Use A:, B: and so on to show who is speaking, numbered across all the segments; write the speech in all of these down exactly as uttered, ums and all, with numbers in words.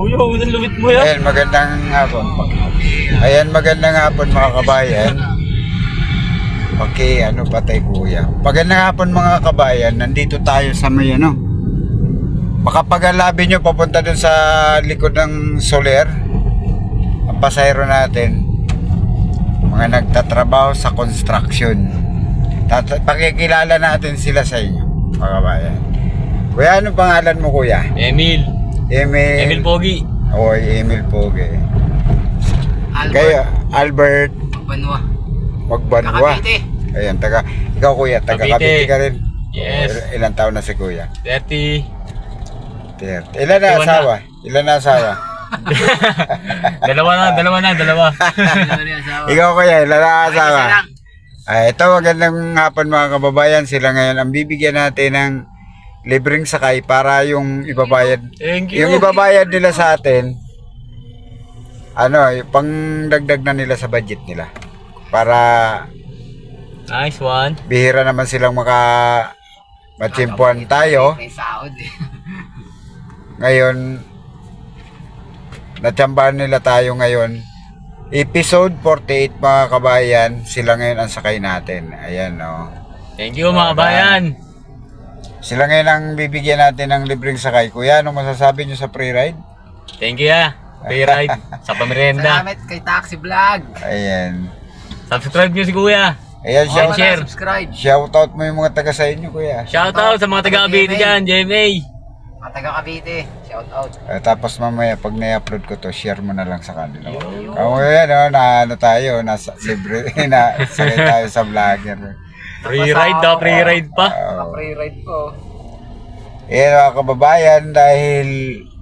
A: Kuya, unang lumit mo yan.
B: Ayan, magandang hapon. Ayan, magandang hapon mga kabayan. Okay, ano patay kuya. Magandang hapon mga kabayan. Nandito tayo sa may ano. Makapag-alabi nyo papunta dun sa likod ng Soler. Ang pasahero natin. Mga nagtatrabaho sa construction. Tat- Pakikilala natin sila sa inyo mga kabayan. Kuya, ano pangalan mo kuya?
A: Emil.
B: Emil.
A: Emil Pogi.
B: Oy, Emil Pogi.
C: Albert.
B: Kayo, Albert
C: Banwa.
B: Magbanwa.
C: Cavite.
B: Ayan, taga, ikaw kuya, taga
A: Cavite.
B: Cavite ka rin.
A: Yes.
B: O, il- ilang taon na si kuya?
A: thirty.
B: thirty. Ilan na
A: thirty-one
B: asawa? Ilan na asawa?
A: Dalawa na, dalawa na, dalawa.
B: Ikaw kuya, ilan na asawa?
C: Isa lang.
B: Ay, ito, magandang hapon mga kababayan. Sila ngayon ang bibigyan natin ng libreng sakay para yung ibabayad.
A: Thank you.
B: Yung ibabayad nila sa atin, ano, yung pang dagdag na nila sa budget nila. Para
A: Nice one.
B: bihira naman silang maka matsimpuan tayo.
C: May sahod eh.
B: Ngayon, natsambahan nila tayo ngayon. Episode forty-eight mga kabayan, sila ngayon ang sakay natin. Ayan, no.
A: Thank you mga bayan.
B: Sila ngayon ang bibigyan natin ng libreng sakay. Kuya, anong masasabi nyo sa pre-ride?
A: Thank you ah. Free ride sa pamerienda.
C: Salamat kay Taxi Vlog.
B: Ayan.
A: Subscribe nyo si Kuya.
B: Ayan,
C: Oh,
B: shout,
A: share.
C: Subscribe.
B: shout out mo yung mga taga sa inyo, kuya.
A: Shout out sa mga taga-Cavite dyan, J M A.
C: Mga taga Cavite. Shout out.
B: Eh, tapos mamaya, pag na-upload ko to, share mo na lang sa kanila. Kamo yan, no, na ano tayo, nasa libre, na sakay tayo sa vlogger.
A: Free ride daw, free ride pa.
C: Mga free ride ko.
B: Eh, mga kababayan, dahil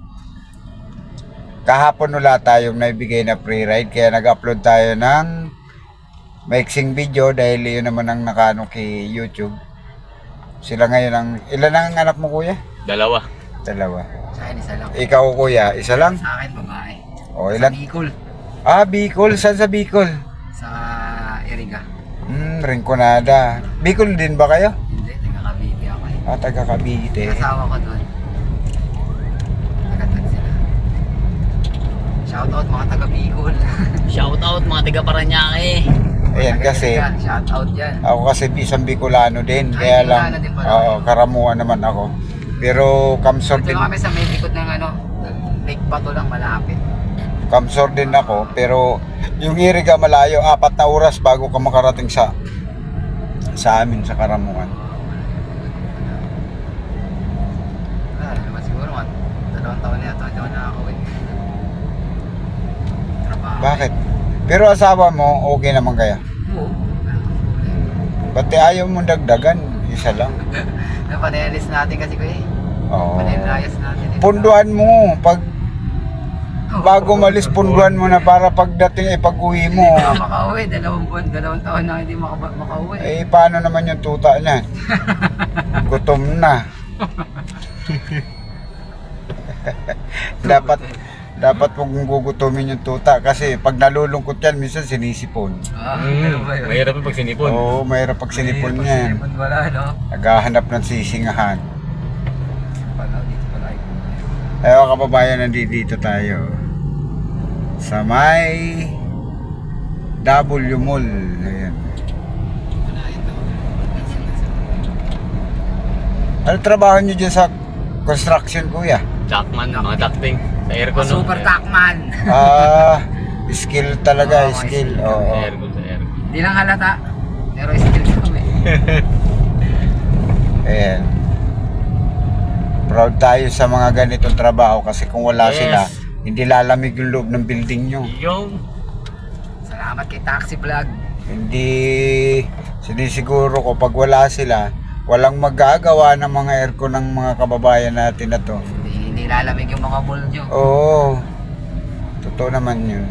B: kahapon wala tayong naibigay na free ride, kaya nag-upload tayo ng maiksing video dahil yun naman ang nakano kay YouTube. Sila ngayon ang, ilan ang anak mo kuya?
A: Dalawa.
B: Dalawa.
C: Sa akin isa lang.
B: Ikaw kuya, isa lang?
C: Sa akin babae.
B: O
C: Sa
B: ilan?
C: Bicol.
B: Ah, Bicol. Saan sa Bicol?
C: Sa Iriga.
B: Hmm, Rinconada. Bicol din ba kayo?
C: Hindi, taga Cavite ako eh.
B: Ah, taga Cavite.
C: Asawa ko doon. Taga doon sila. Shout out mga taga Bicol.
A: Shout out mga taga Paranaque.
B: Ayan kasi,
C: Shout out yan.
B: ako kasi isang Bicolano din.
C: Ay,
B: Kaya lang,
C: Bicolano din pala.
B: oo, karamuan naman ako. Pero Kamsor
C: Dito
B: din,
C: kami sa may likod ng ano, Lake Bato lang malapit.
B: Kamsor din ako. Pero yung Iriga malayo, apat na oras bago ka makarating sa sa amin, sa Karamuan.
C: Ah, naman siguro mga dalawang taon na yata, hindi ako nakakawin. Trabaho.
B: Bakit? Pero asawa mo, okay naman kaya?
C: Oo.
B: Ba't ayaw mo dagdagan? Isa lang.
C: Napanayalis natin kasi ko eh.
B: Oo.
C: Panayalis natin eh.
B: Punduan mo. Pag bago malis, punduan mo na para pagdating ay pag-uwi mo.
C: Hindi ako makauwi. Dalawang buwan, dalawang taon na hindi maka- makauwi.
B: Eh, paano naman yung tuta niyan? Gutom na. dapat dapat mong gugutumin yung tuta kasi pag nalulungkot yan, minsan sinisipon.
C: Ah, ano ba
A: Mm,
C: yun?
A: mahirap yung pag sinipon.
B: Oo, mahirap pag sinipon
C: Mahirap pag
B: yan.
C: sinipon, wala, no?
B: Naghahanap ng sisingahan.
C: Pala, dito pala yun.
B: Ayaw kababayan, nandito tayo sa may W Mall. Ayan.
C: Wala yun, no?
B: Ano trabaho nyo dyan sa construction, kuya?
A: Jackman, mga ducting. Sa aircon,
C: Mga super Tacman.
B: Ah, skill talaga,
C: Oo,
B: skill.
C: skill.
B: Oo.
A: Sa aircon, sa aircon.
C: Hindi lang halata. Pero still kami.
B: Ayan. Proud tayo sa mga ganitong trabaho kasi kung wala
A: Yes.
B: sila, hindi lalamig yung loob ng building nyo.
A: Yung
C: Salamat kay Taxi Vlog.
B: Hindi sinisiguro ko pag wala sila, walang magagawa ng mga aircon ng mga kababayan natin na to.
C: Hindi, hindi lalamig yung mga mall nyo.
B: Oo. Totoo naman yun.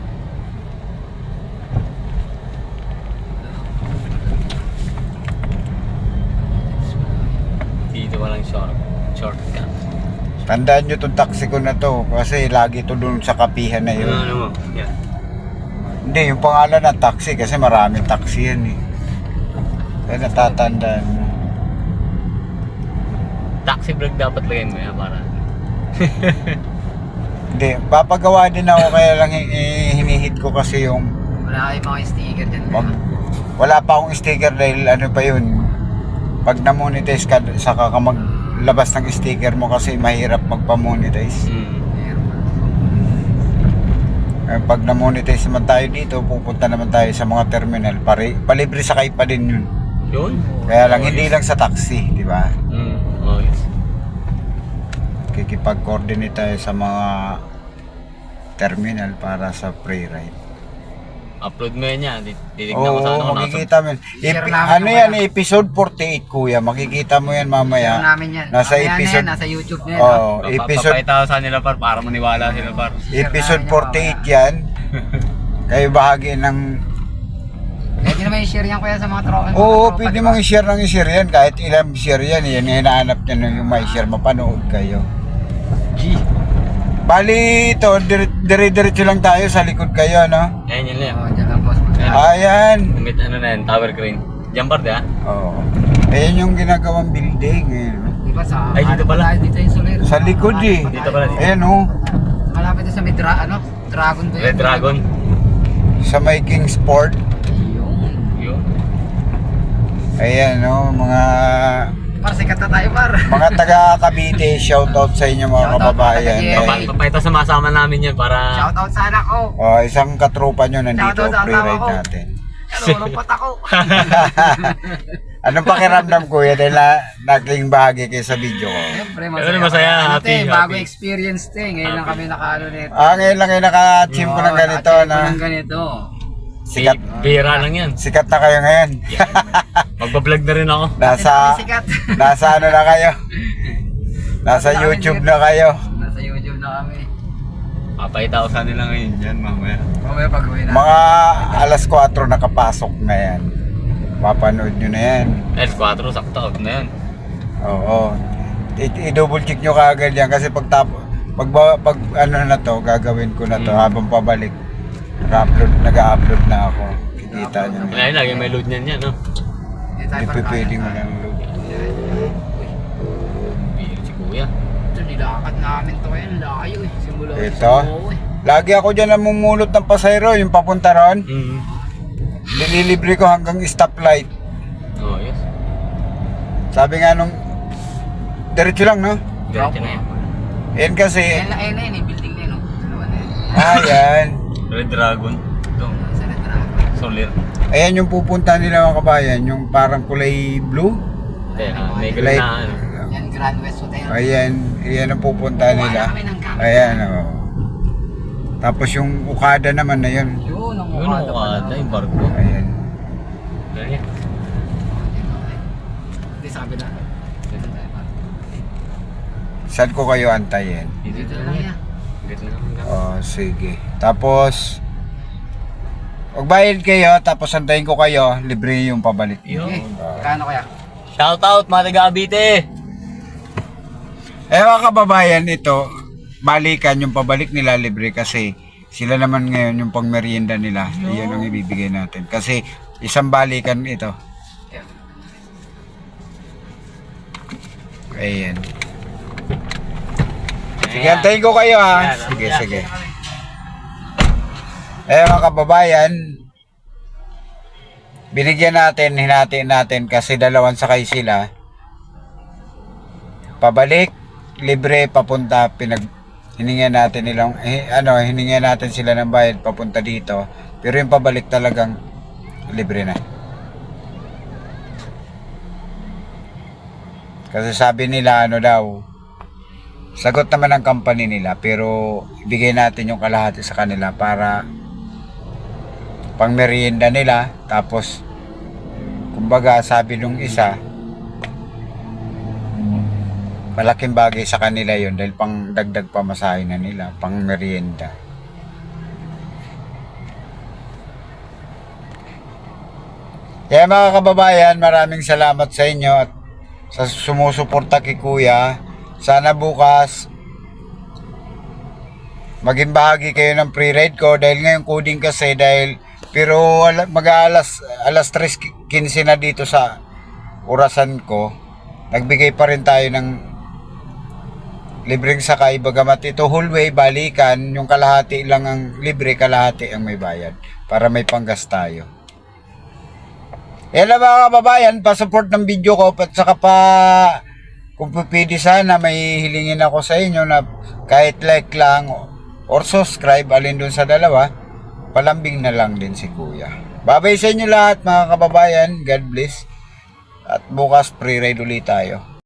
A: dito walang short, shortcut.
B: Tandaan nyo itong taxi ko na to kasi lagi to dun sa kapihan na yun.
A: Ano, ano mo? Yeah.
B: Hindi, yung pangalan ng taxi kasi maraming taxi yan eh. Kaya natatandaan mo.
A: Taxi vlog dapat lagyan mo yan para.
B: Hindi, papagawa din ako kaya lang hi- hi- hinihit ko kasi yung
C: Wala kayong mga sticker dyan.
B: Wag, wala pa akong sticker dahil ano pa yun. Pag na-monetize ka, saka ka maglabas ng sticker mo kasi mahirap magpa-monetize.
A: Mm.
C: Meron pa.
B: Eh, pag na-monetize naman tayo dito, pupunta naman tayo sa mga terminal. Pare, palibre sakay pa din yun.
A: Yun.
B: Kaya lang, hindi lang sa taxi, di ba?
A: Mm. Oh, yes.
B: Kikipag-coordinate tayo sa mga terminal para sa free ride.
A: Upload mo yan yan. Titignan ko sa
B: Oo,
A: ano.
B: makikita mo.
C: Share
B: Epi-
C: namin
B: ano
C: yung
B: yan,
C: wala.
B: episode forty-eight kuya. Makikita mo yan
C: Meron
B: mamaya.
C: namin yan.
B: Nasa
C: Mamaya na
B: episode-
C: yan, nasa YouTube na yan.
B: Oo,
C: ah.
A: Episode.
B: episode
A: Papakita ko sa nila par para maniwala sila par.
B: episode forty-eight yan. Kayo bahagi ng...
C: Pwede naman i-share yan kuya sa mga tropa. mga
B: Oo,
C: tropa,
B: pwede
C: di ba?
B: mong i-share ng i-share yan. Kahit ilang share yan. Yan yung hinahanap niya nung yung may share. Mapanood kayo.
C: G.
B: Bali ito, dire- dire-diretso lang tayo sa likod kayo, no?
A: Ayan yun lang.
C: Oo, dyan lang boss.
A: Ayan.
B: Ayan.
A: Damit ano na yan, tower crane. Diyan par di ah.
B: Oo. Ayan yung ginagawang building. Ayan.
C: Di ba sa...
A: Ay, dito
C: ano
A: pala.
C: tayo, Dito yung Soler.
B: Sa likod eh.
A: Dito pala, dito.
B: Ayan oh.
C: Malapit na sa may dra, ano? Dragon ba yun?
A: Red Dragon.
B: Sa may Kingsport.
C: Yung.
A: Yun.
B: Ayan oh, mga
C: Par, sikat na tayo par.
B: mga taga Cavite, shoutout sa inyo mga
C: Shoutout,
B: kababayan.
C: mga taga-Jerry.
B: Eh,
A: Papa- Papayta sumasama namin yan para...
C: Shoutout sa anak ko.
B: oh, isang katrupa nyo nandito,
C: Shoutout sa
B: free
C: asawa
B: ride
C: ko.
B: natin.
C: Nalulungkot ako.
B: Anong pakiramdam kuya dahil na, naging bahagi kayo sa video ko?
C: Siyempre,
A: Siyempre, masaya,
C: Ano,
A: happy,
C: te, bago
A: happy.
C: experience te. Ngayon lang kami nakaano nito.
B: Ah, ngayon lang kayo nakachimpo ng ganito
C: Oo,
B: na.
C: ng ganito.
B: Sikat,
A: Bira lang yan.
B: sikat na kayo ngayon.
A: Magbablog na rin ako.
B: Nasa,
C: Hindi sikat.
B: nasa ano na kayo? Nasa
C: Nasa
B: YouTube
C: amin
B: na kayo.
C: Nasa YouTube na kami.
A: Papayta ko sa nila ngayon yan mamaya.
C: Mamaya pag-uwi na.
B: Mga alas kwatro nakapasok na yan. Papanood nyo na yan.
A: L four, sakto out na yan.
B: Oo. I- I-double check nyo kaagad yan kasi pag tap pag, ba- pag ano na to, gagawin ko na to
A: Mm.
B: habang pabalik. Nag-upload, nag-upload na ako. Kikita nyo na.
A: Kaya lagi may load niyan yan, no?
C: Hindi tayo
B: Hindi
C: par-
B: pwedeng mo lang load.
A: Bira si kuya.
C: Ito, nilakad namin to ngayon. Layo eh. Simula ko
B: Ito?
C: sa Moe, eh.
B: Lagi ako dyan namumulot ng pasayro, yung papunta ron.
A: Mm.
B: Nililibre ko hanggang stoplight.
A: Oh, yes.
B: Sabi nga nung, diretso lang, no?
A: Diretso na yan.
B: Yan kasi,
C: Ayan na, ayan na yun eh. Building na yun. oh. Dalawa na yun.
B: ayan.
A: Red Dragon. Ito.
C: Sa Retrago.
A: Solir.
B: Ayan yung pupunta nila mga kabayan, yung parang kulay blue.
A: Kaya, may
B: Like-
A: galing na ano.
C: Yan, Grand West Hotel.
B: Ayan, ayan ang pupunta
C: Kuha
B: nila.
C: na kami ng gamit.
B: Ayan, oh. Tapos yung Okada naman na yun.
C: Yun, ang
A: Yun
C: Okada
A: ang
C: pala.
A: kada, yung barko.
B: Ayan.
A: Ganyan.
C: Hindi, sabi na. Dito tayo pa.
B: Saan ko kayo antayin?
A: Dito
C: Dito
A: na
C: lang
A: lang
C: yan.
A: Dito na lang.
B: Oh, sige. Tapos, magbayad kayo, tapos antayin ko kayo, libre yung pabalik.
A: Yun.
C: Okay, kano kaya?
A: Shout out mga taga Abite!
B: Eh mga kababayan, ito, balikan yung pabalik nila libre kasi sila naman ngayon yung pang merienda nila. Iyon ang ibibigay natin. Kasi isang balikan ito. Ayan. Sige, antayin ko kayo ha.
A: Ayan,
B: Sige,
A: ayan.
B: sige. Eh mga kababayan, binigyan natin, hinati natin kasi dalawang sakay sila. Pabalik, libre, papunta, pinag hiningan natin nilang, eh, ano, hiningan natin sila ng bayad papunta dito. Pero yung pabalik talagang libre na. Kasi sabi nila, ano daw, sagot naman ng company nila, pero ibigay natin yung kalahati sa kanila para pang merienda nila. Tapos, kumbaga, sabi nung isa, malaking bagay sa kanila yun dahil pang dagdag pamasahe na nila, pang merienda. Kaya mga kababayan, maraming salamat sa inyo at sa sumusuporta kay Kuya. Sana bukas maging bahagi kayo ng free ride ko dahil ngayon coding kasi dahil pero mag-alas alas tres quince na dito sa orasan ko. Nagbigay pa rin tayo ng libreng sakay, bagamat ito whole way, balikan, yung kalahati lang ang libre, kalahati ang may bayad. Para may panggas tayo. Yan lang mga kababayan, pa-support ng video ko, at saka pa, kung pwede sana, may hilingin ako sa inyo na kahit like lang, or subscribe, alin dun sa dalawa, palambing na lang din si Kuya. Babay sa inyo lahat mga kababayan, God bless. At bukas pre-ride ulit tayo.